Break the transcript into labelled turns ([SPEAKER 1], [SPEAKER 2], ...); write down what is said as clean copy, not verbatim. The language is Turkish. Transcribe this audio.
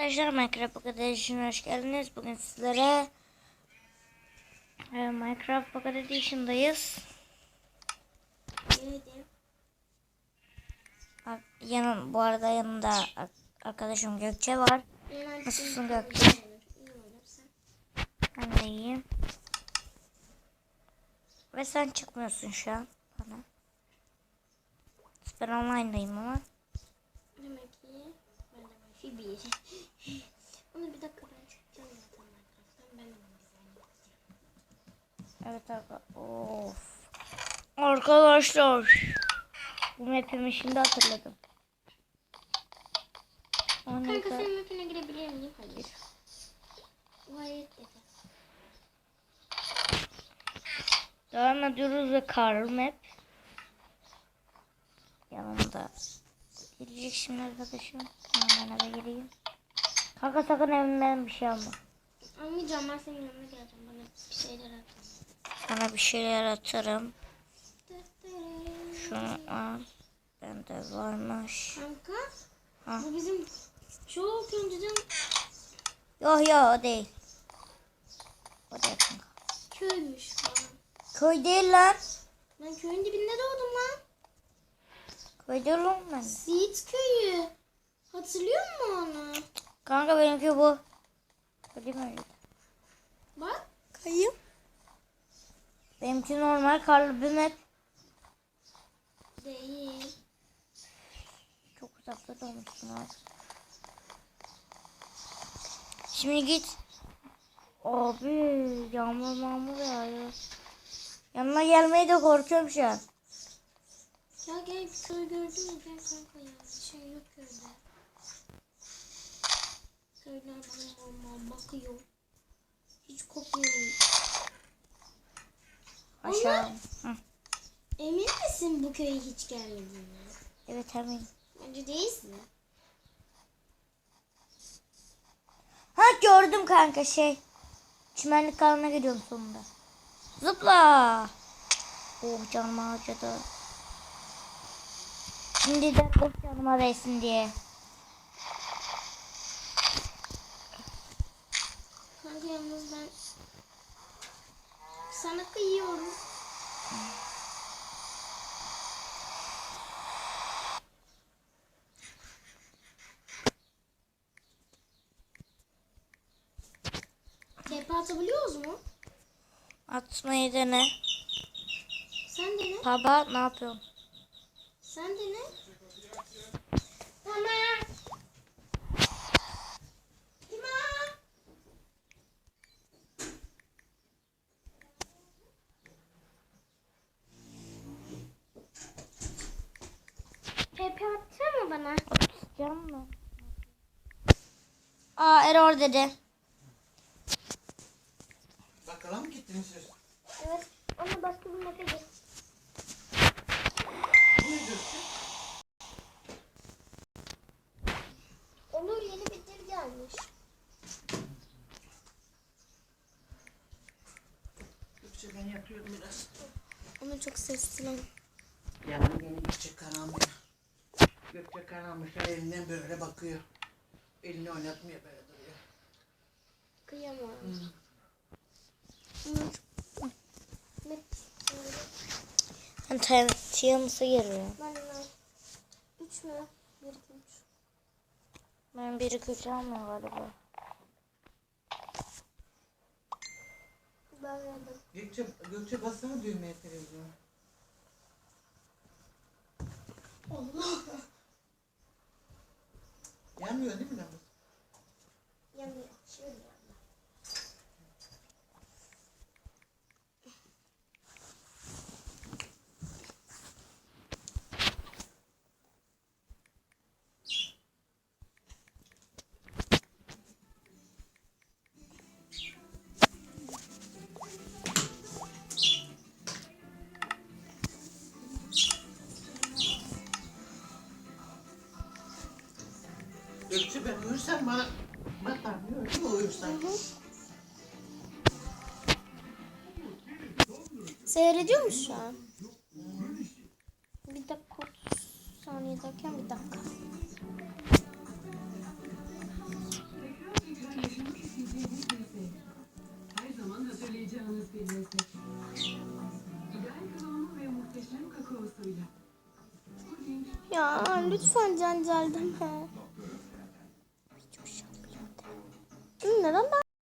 [SPEAKER 1] Arkadaşlar Minecraft Pocket Edition'a hoş geldiniz. Bugün sizlere Minecraft Pocket Edition'dayız. Bu arada yanımda arkadaşım Gökçe var. Nasılsın Gökçe? Ben de iyiyim. Ve sen çıkmıyorsun şu an bana. Ben online'dayım ama.
[SPEAKER 2] Demek ki ben de Wi-Fi 1. Onu bir dakika ben çıkacağım zaten Minecraft'tan. Ben onu
[SPEAKER 1] Evet of. Arkadaşlar. Bu map'imi şimdi hatırladım.
[SPEAKER 2] Kanka senin map'ine girebilir miyim? Hayır. Gayet dedi.
[SPEAKER 1] Devam ediyoruz ve Karl map. Yanımda. Gelecek şimdi arkadaşım. Hemen eve gireyim. Kanka sakın evimden bir şey alma.
[SPEAKER 2] Almayacağım, ben senin yanına geleceğim. Bana bir şeyler at.
[SPEAKER 1] Sana bir şeyler atarım. Şunu al. Bende varmış.
[SPEAKER 2] Kanka.
[SPEAKER 1] Ha.
[SPEAKER 2] Bu bizim çok önceden
[SPEAKER 1] Yok o değil. O değil kanka.
[SPEAKER 2] köymüş falan.
[SPEAKER 1] Köy değil lan.
[SPEAKER 2] Ben köyün dibinde doğdum lan.
[SPEAKER 1] Köy değil lan ben.
[SPEAKER 2] Siirt köyü. Hatırlıyor musun onu?
[SPEAKER 1] Kanka benimki bu. Değil mi?
[SPEAKER 2] Bak.
[SPEAKER 1] Kayım. Benimki normal karlı bir map.
[SPEAKER 2] Değil.
[SPEAKER 1] Çok uzakta doğmuşsun abi. Şimdi git. Abi yağmur yağıyor. Yanına gelmeye de korkuyorum şu an.
[SPEAKER 2] Ya gel bir köy gördün mü? Gel kanka ya. Bir şey yok köyde. Köyler bana bakıyor. Hiç kopmuyor.
[SPEAKER 1] Aşağı. Hı.
[SPEAKER 2] Emin misin bu köye hiç gelmediğini?
[SPEAKER 1] Evet eminim.
[SPEAKER 2] Bence değilsin.
[SPEAKER 1] Ha gördüm kanka çimenlik alanına gidiyorum sonunda. Zıpla. Oh canım acıdı. Şimdi de of canıma değsin diye.
[SPEAKER 2] Kanka yalnız ben sana kıyıyorum. TP atabiliyoruz mu?
[SPEAKER 1] Atmayı dene.
[SPEAKER 2] Sen dene.
[SPEAKER 1] Baba ne yapıyorsun?
[SPEAKER 2] Sen dene. Tamam. Tamam. TP atsana bana.
[SPEAKER 1] Atacağım mı? Aa error dedi.
[SPEAKER 3] Bakkala mı gittiniz siz?
[SPEAKER 2] Evet. Ona başka bir map'e git.
[SPEAKER 3] Bu ne diyorsun?
[SPEAKER 2] Onun yeni bir dil gelmiş.
[SPEAKER 3] Gökçe ben yapıyorum biraz.
[SPEAKER 2] Ama çok sesli lan.
[SPEAKER 3] Yani beni Gökçe karanmış. Gökçe karanmış elinden böyle bakıyor. Elini oynatmıyor böyle duruyor.
[SPEAKER 2] Kıyamam.
[SPEAKER 1] Ben Tiyanıs'a giriyor.
[SPEAKER 2] Ben 3 mü? 1, 2, 3.
[SPEAKER 1] Ben biri kötü almıyor galiba.
[SPEAKER 2] Ben geldim.
[SPEAKER 3] Gökçe bassana düğmeye televizyon.
[SPEAKER 2] Allah.
[SPEAKER 3] Yanmıyor değil mi lan?
[SPEAKER 2] Yanıyor. Şöyle yanıyor.
[SPEAKER 3] Gökçe ben uyursam bana batarmıyor değil mi uyursam?
[SPEAKER 2] Seyrediyor musun şu an? Bir dakika 30 saniye derken bir dakika. Ya lütfen Cancel deme. Neden